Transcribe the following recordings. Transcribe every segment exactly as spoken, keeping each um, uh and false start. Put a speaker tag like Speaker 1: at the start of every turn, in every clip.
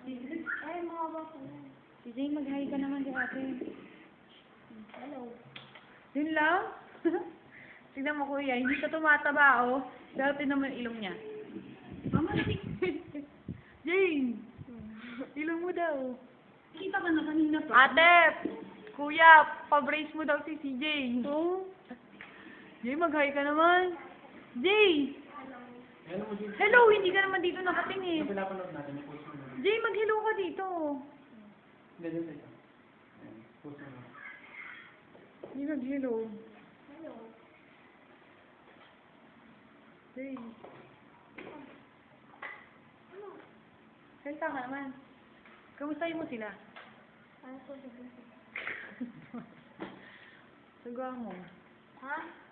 Speaker 1: Ay, mga bako.
Speaker 2: Si Jay, mag-hi ka naman kay ate.
Speaker 1: Hello.
Speaker 2: Yun lang? Tignan mo kuya, hindi siya tumataba oh. Pero tignan mo yung ilong niya.
Speaker 1: Mama,
Speaker 2: Jay! Ilong mo daw.
Speaker 1: kita ka na kanina pa.
Speaker 2: Ate! Kuya, pa-brace mo daw si C J.
Speaker 1: Oo.
Speaker 2: Jay, mag-hi ka naman. Jay!
Speaker 3: Hello mo, Jim.
Speaker 2: Hello, hindi ka naman dito nakatingin.
Speaker 3: Ito pinapanood natin, may post mo na.
Speaker 2: Jay, mag-hello ka dito.
Speaker 3: Ganyan sa ito. Ayan, post mo na.
Speaker 2: Hindi mag-hello.
Speaker 1: Hello.
Speaker 2: Jay. Salta ka naman. Kamustahin mo sila?
Speaker 1: Ano po sabihin?
Speaker 2: Sagawa mo.
Speaker 1: Ha?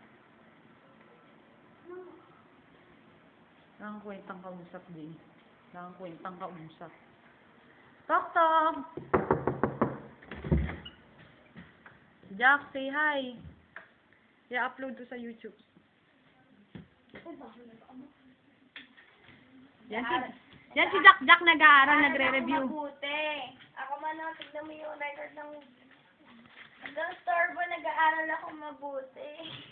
Speaker 2: Nakakakwentang kausap din. Nakakakwentang kausap. Tok Tok! Jack, say hi. I-upload to sa YouTube.
Speaker 1: Ay, bakit nag-ano?
Speaker 2: Yan si, yan si Jack Jack nag-aaral,
Speaker 1: Ako
Speaker 2: nagre-review.
Speaker 1: mabuti. Ako man ang tignan mo yung record ng... Hanggang storbo, nag-aaral ako mabuti.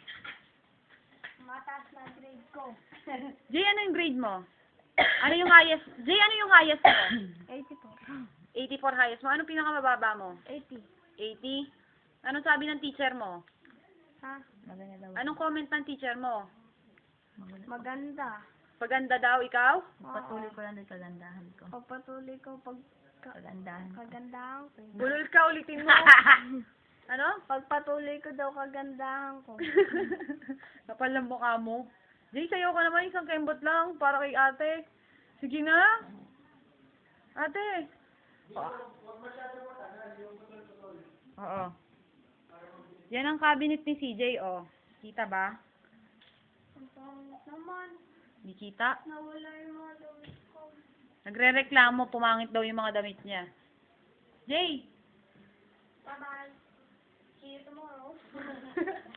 Speaker 1: Mataas na grade ko.
Speaker 2: Jay, ano yung grade mo? Ano yung highest? Jay, ano yung highest mo?
Speaker 1: eighty-four.
Speaker 2: eighty-four highest mo. Anong pinakamababa mo?
Speaker 1: eighty.
Speaker 2: eighty? Anong sabi ng teacher mo?
Speaker 1: Ha? Maganda daw.
Speaker 2: Anong comment ng teacher mo?
Speaker 1: Maganda.
Speaker 2: Paganda daw ikaw?
Speaker 1: Patuloy
Speaker 4: ko lang din kagandahan ko.
Speaker 1: Pagpatuloy ko pag...
Speaker 4: Kagandahan ko.
Speaker 1: Kagandahan ko.
Speaker 2: Bulol ka, ulitin mo. Ano?
Speaker 1: Pagpatuloy ko daw kagandahan ko.
Speaker 2: Kapal ng mukha mo. Jay, sayo ka naman, isang kembot lang para kay ate. Sige na. Ate. Oo. Yan ang cabinet ni C J, oh. Kita ba?
Speaker 1: Ang pangit naman.
Speaker 2: Hindi kita.
Speaker 1: Nawala yung mga damit ko.
Speaker 2: Nagre-reklamo, pumangit daw yung mga damit niya. Jay!
Speaker 1: Bye-bye. See you tomorrow.